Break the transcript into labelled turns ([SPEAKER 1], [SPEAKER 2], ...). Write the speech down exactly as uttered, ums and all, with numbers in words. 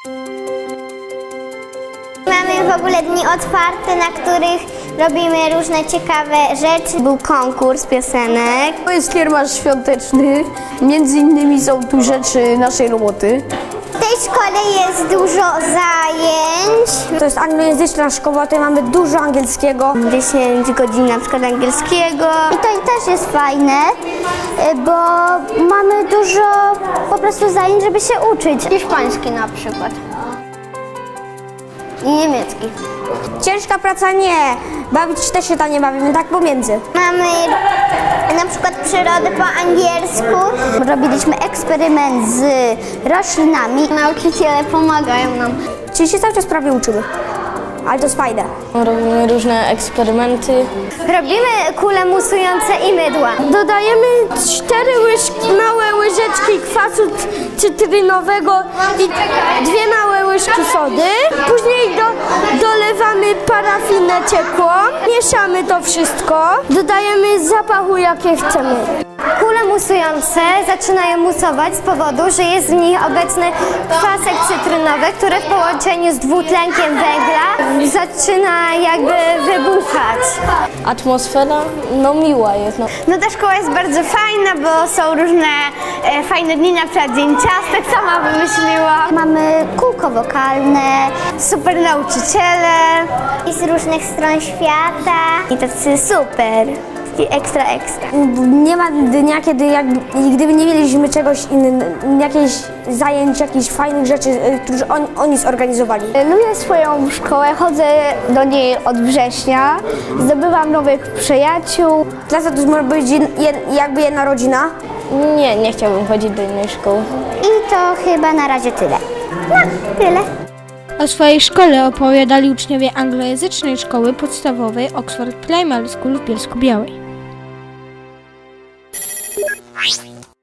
[SPEAKER 1] Mamy w ogóle dni otwarte, na których robimy różne ciekawe rzeczy. Był konkurs piosenek.
[SPEAKER 2] To jest kiermasz świąteczny. Między innymi są tu rzeczy naszej roboty.
[SPEAKER 1] W tej szkole jest dużo zajęć.
[SPEAKER 2] To jest anglojęzyczna szkoła, tutaj mamy dużo angielskiego.
[SPEAKER 1] dziesięć godzin na przykład angielskiego. I to też jest fajne, bo mamy dużo po prostu zajęć, żeby się uczyć. Hiszpański na przykład. I niemiecki.
[SPEAKER 2] Ciężka praca nie, bawić też się tam nie bawimy, tak pomiędzy.
[SPEAKER 1] Mamy na przykład przyrodę po angielsku. Robiliśmy eksperyment z roślinami. Nauczyciele pomagają nam.
[SPEAKER 2] Czyli się cały czas prawie uczymy, ale to jest fajne.
[SPEAKER 3] Robimy różne eksperymenty.
[SPEAKER 1] Robimy kule musujące i mydła.
[SPEAKER 2] Dodajemy cztery łyżki, małe łyżeczki kwasu cytrynowego i dwie małe łyżki sody. Później do, dolewamy parafinę ciekłą, mieszamy to wszystko, dodajemy zapachu jakie chcemy.
[SPEAKER 1] Kule musujące zaczynają musować z powodu, że jest w nich obecny kwasek cytrynowy, który w połączeniu z dwutlenkiem węgla zaczyna jakby wybuchać.
[SPEAKER 3] Atmosfera, no miła jest. No.
[SPEAKER 1] No ta szkoła jest bardzo fajna, bo są różne e, fajne dni, na przykład dzień ciastek sama wymyśliła. Mamy kółko wokalne, super nauczyciele i z różnych stron świata. I tacy super, taki ekstra ekstra.
[SPEAKER 2] Nie ma dnia, kiedy jak, gdyby nie mieliśmy czegoś innego, jakichś zajęć, jakichś fajnych rzeczy, które oni, oni zorganizowali.
[SPEAKER 4] Lubię swoją szkołę, chodzę do niej od września, zdobywam nowych przyjaciół.
[SPEAKER 2] Klasa to może być jed, jakby jedna rodzina.
[SPEAKER 3] Nie, nie chciałbym chodzić do innej szkoły.
[SPEAKER 1] I to chyba na razie tyle. No, tyle.
[SPEAKER 5] O swojej szkole opowiadali uczniowie anglojęzycznej szkoły podstawowej Oxford Primary School w Bielsku-Białej.